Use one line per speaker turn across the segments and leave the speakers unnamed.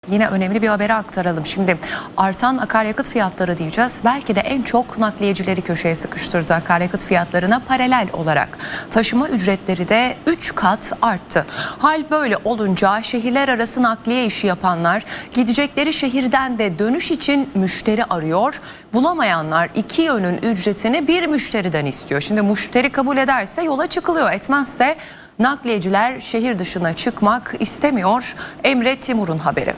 Yine önemli bir haberi aktaralım. Şimdi artan akaryakıt fiyatları diyeceğiz. Belki de en çok nakliyecileri köşeye sıkıştırdı akaryakıt fiyatlarına paralel olarak. Taşıma ücretleri de 3 kat arttı. Hal böyle olunca şehirler arası nakliye işi yapanlar gidecekleri şehirden de dönüş için müşteri arıyor. Bulamayanlar iki yönün ücretini bir müşteriden istiyor. Şimdi müşteri kabul ederse yola çıkılıyor, etmezse nakliyeciler şehir dışına çıkmak istemiyor. Emre Timur'un haberi.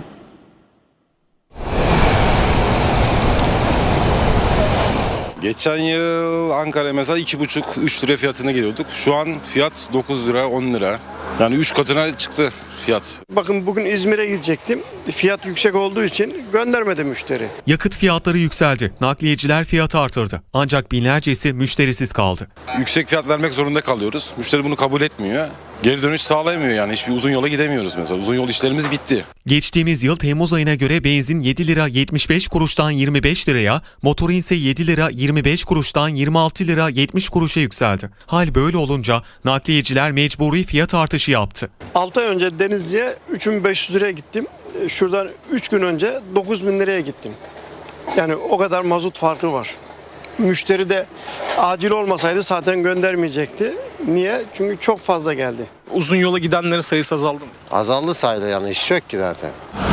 Geçen yıl Ankara'ya mesela 2,5-3 lira fiyatına geliyorduk. Şu an fiyat 9 lira, 10 lira. Yani 3 katına çıktı fiyat.
Bakın bugün İzmir'e gidecektim. Fiyat yüksek olduğu için göndermedi müşteri.
Yakıt fiyatları yükseldi. Nakliyeciler fiyatı artırdı. Ancak binlercesi müşterisiz kaldı.
Yüksek fiyat vermek zorunda kalıyoruz. Müşteri bunu kabul etmiyor. Geri dönüş sağlayamıyor yani. Hiçbir uzun yola gidemiyoruz mesela. Uzun yol işlerimiz bitti.
Geçtiğimiz yıl Temmuz ayına göre benzin 7 lira 75 kuruştan 25 liraya, motorin ise 7 lira 25 kuruştan 26 lira 70 kuruşa yükseldi. Hal böyle olunca nakliyeciler mecburi fiyat artışı yaptı.
6 ay önce Denizli'ye 3500 liraya gittim. Şuradan 3 gün önce 9000 liraya gittim. Yani o kadar mazot farkı var. Müşteri de acil olmasaydı zaten göndermeyecekti. Niye? Çünkü çok fazla geldi.
Uzun yola gidenlerin sayısı azaldı mı?
Azaldı sayıda, yani iş yok ki zaten.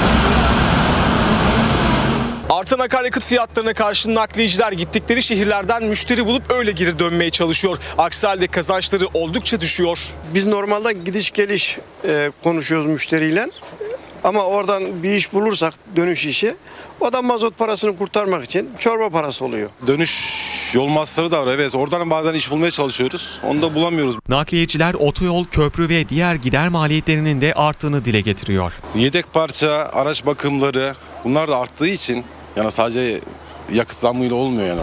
Artan akaryakıt fiyatlarına karşı nakliyeciler gittikleri şehirlerden müşteri bulup öyle geri dönmeye çalışıyor. Aksi halde kazançları oldukça düşüyor.
Biz normalde gidiş geliş konuşuyoruz müşteriyle. Ama oradan bir iş bulursak, dönüş işi, o da mazot parasını kurtarmak için çorba parası oluyor.
Dönüş yol masrafı da var, evet. Oradan bazen iş bulmaya çalışıyoruz. Onu da bulamıyoruz.
Nakliyeciler otoyol, köprü ve diğer gider maliyetlerinin de arttığını dile getiriyor.
Yedek parça, araç bakımları bunlar da arttığı için yani sadece yakıt zammıyla olmuyor yani.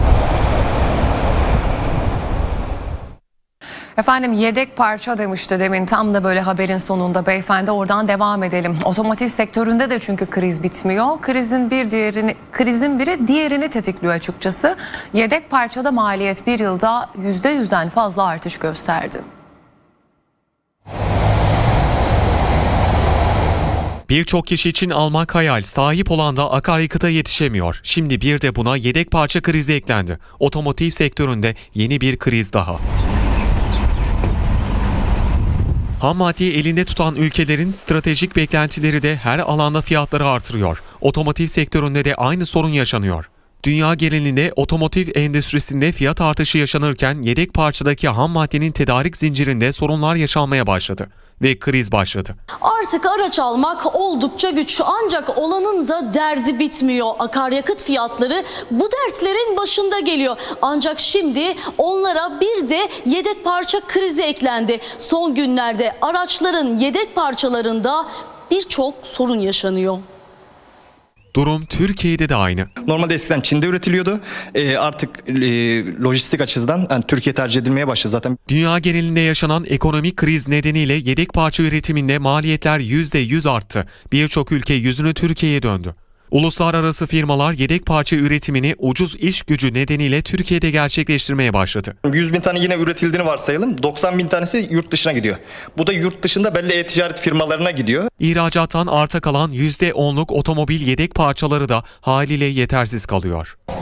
Efendim yedek parça demişti demin, tam da böyle haberin sonunda beyefendi, oradan devam edelim. Otomotiv sektöründe de çünkü kriz bitmiyor. Krizin biri diğerini tetikliyor açıkçası. Yedek parçada maliyet bir yılda %100'den fazla artış gösterdi.
Birçok kişi için almak hayal, sahip olan da akaryakıta yetişemiyor. Şimdi bir de buna yedek parça krizi eklendi. Otomotiv sektöründe yeni bir kriz daha. Ham maddeyi elinde tutan ülkelerin stratejik beklentileri de her alanda fiyatları artırıyor. Otomotiv sektöründe de aynı sorun yaşanıyor. Dünya genelinde otomotiv endüstrisinde fiyat artışı yaşanırken yedek parçadaki ham maddenin tedarik zincirinde sorunlar yaşanmaya başladı ve kriz başladı.
Artık araç almak oldukça güç, ancak olanın da derdi bitmiyor. Akaryakıt fiyatları bu dertlerin başında geliyor. Ancak şimdi onlara bir de yedek parça krizi eklendi. Son günlerde araçların yedek parçalarında birçok sorun yaşanıyor.
Durum Türkiye'de de aynı.
Normalde eskiden Çin'de üretiliyordu. Artık lojistik açıdan yani Türkiye tercih edilmeye başladı zaten.
Dünya genelinde yaşanan ekonomik kriz nedeniyle yedek parça üretiminde maliyetler %100 arttı. Birçok ülke yüzünü Türkiye'ye döndü. Uluslararası firmalar yedek parça üretimini ucuz iş gücü nedeniyle Türkiye'de gerçekleştirmeye başladı.
100 bin tane yine üretildiğini varsayalım. 90 bin tanesi yurt dışına gidiyor. Bu da yurt dışında belli e-ticaret firmalarına gidiyor.
İhracattan arta kalan %10'luk otomobil yedek parçaları da haliyle yetersiz kalıyor.